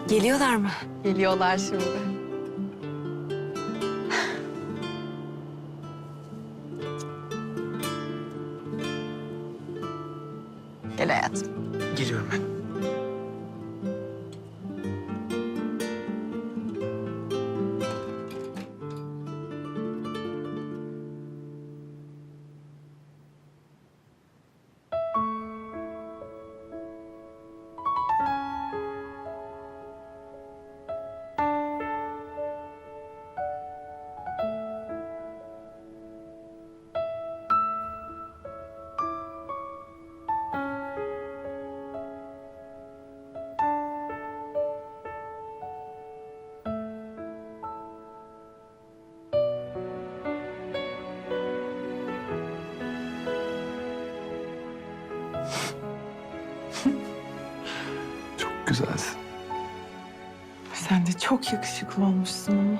Geliyorlar mı? Geliyorlar şimdi. Gel hayatım. Geliyorum ben. Çok güzelsin. Sen de çok yakışıklı olmuşsun ama.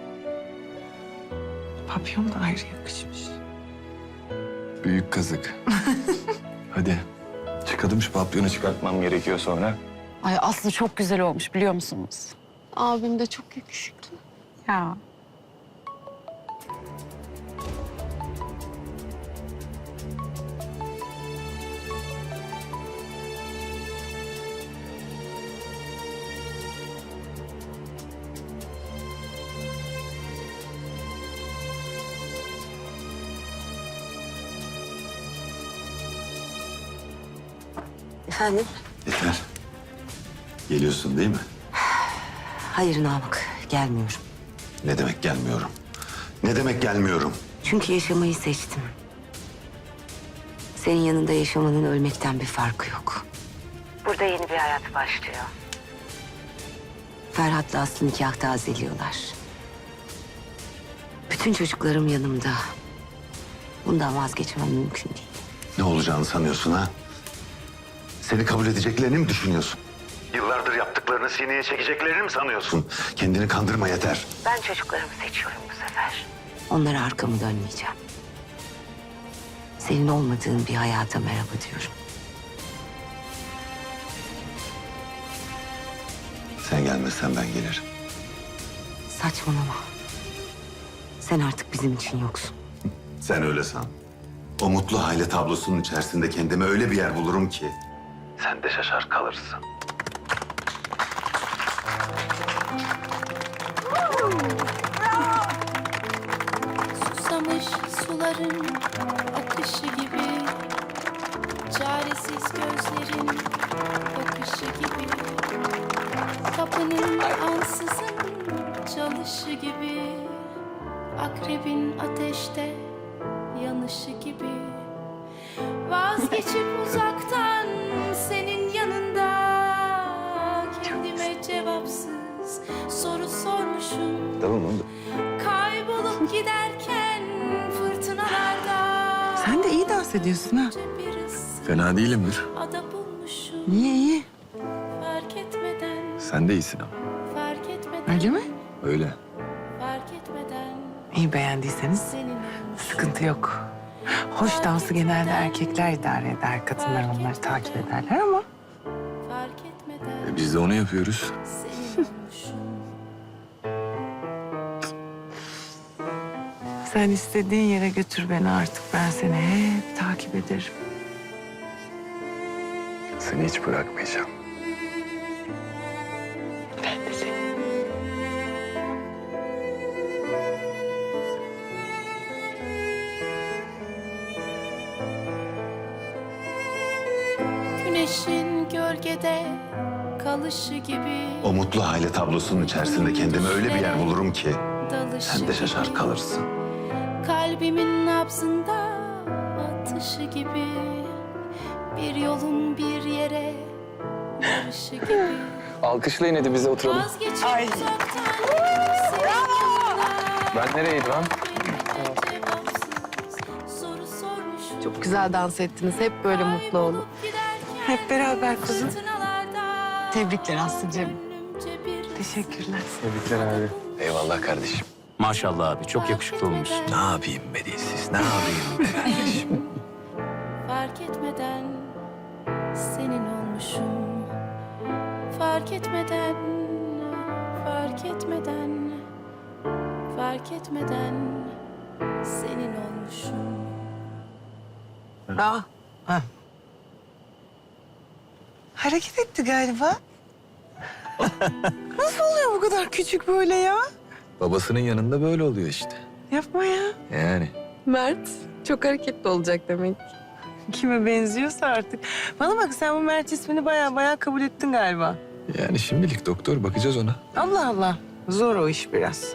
Papyon da ayrı yakışmış. Büyük kazık. Hadi. Çıkalım şu papyonu çıkartmam gerekiyor sonra. Ay Aslı çok güzel olmuş biliyor musunuz? Abim de çok yakışıklı. Ya. Efendim? Yeter. Geliyorsun değil mi? Hayır Namık, gelmiyorum. Ne demek gelmiyorum? Ne demek gelmiyorum? Çünkü yaşamayı seçtim. Senin yanında yaşamanın ölmekten bir farkı yok. Burada yeni bir hayat başlıyor. Ferhat'la Aslı nikah tazeliyorlar. Bütün çocuklarım yanımda. Bundan vazgeçmem mümkün değil. Ne olacağını sanıyorsun ha? Seni kabul edeceklerini mi düşünüyorsun? Yıllardır yaptıklarını sineye çekeceklerini mi sanıyorsun? Kendini kandırma yeter. Ben çocuklarımı seçiyorum bu sefer. Onlara arkamı dönmeyeceğim. Senin olmadığın bir hayata merhaba diyorum. Sen gelmezsen ben gelirim. Saçmalama. Sen artık bizim için yoksun. Sen öyle san. O mutlu aile tablosunun içerisinde kendime öyle bir yer bulurum ki... sen de şaşar kalırsın. Susamış suların akışı gibi, çaresiz gözlerin bakışı gibi, kapının ansızın çalışı gibi, akrebin ateşte yanışı gibi, vazgeçip uzaktan senin yanında kendime cevapsız soru sormuşum. Tamam oldu. Kaybolup giderken fırtınalarda Sen de iyi dans ediyorsun ha. bir ıssız Fena değilimdir. ada bulmuşum. İyi iyi. Fark etmeden, Sen de iyisin ama. fark etmeden, Öyle mi? Öyle. fark etmeden İyi beğendiyseniz senin olmuşum. sıkıntı yok. Hoş dansı genelde erkekler idare eder. Kadınlar onları takip ederler ama... Fark etmeden Biz de onu yapıyoruz. senin olmuşum. Sen istediğin yere götür beni artık. Ben seni hep takip ederim. Seni hiç bırakmayacağım. Ben de seni. Güneşin gölgede kalışı gibi, O mutlu aile tablosunun içerisinde kendime öyle bir yer bulurum ki... dalışı sen de şaşar gibi. kalırsın. Kalbimin nabzında atışı gibi, bir yolun bir yere varışı gibi. Alkışlayın hadi bize oturalım. Vazgeçip uzaktan senin yanında Ben nereydi lan? cevapsız soru sormuşum. Çok güzel dans ettiniz. Hep böyle mutlu olun. Kaybolup giderken Hep beraber kızım. fırtınalarda Tebrikler Aslı'cığım. gönlümce bir Teşekkürler. Tebrikler abi. Eyvallah kardeşim. Maşallah abi çok yakışıklı olmuşsun. Ne yapayım be dilsiz, ne yapayım be kardeşim? fark etmeden senin olmuşum. Fark etmeden fark etmeden, fark etmeden senin olmuşum. Ha. Hareket etti galiba. Nasıl oluyor bu kadar küçük böyle ya? Babasının yanında böyle oluyor işte. Yapma ya. Yani. Mert çok hareketli olacak demek. Kime benziyorsa artık. Bana bak, sen bu Mert ismini baya kabul ettin galiba. Yani şimdilik doktor, bakacağız ona. Allah Allah. Zor o iş biraz.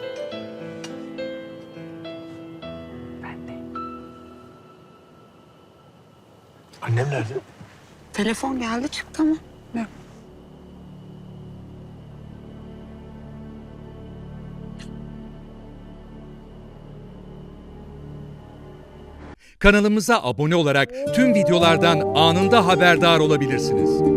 Ben de. Annem nerede? Telefon geldi çıktı ama. Kanalımıza abone olarak tüm videolardan anında haberdar olabilirsiniz.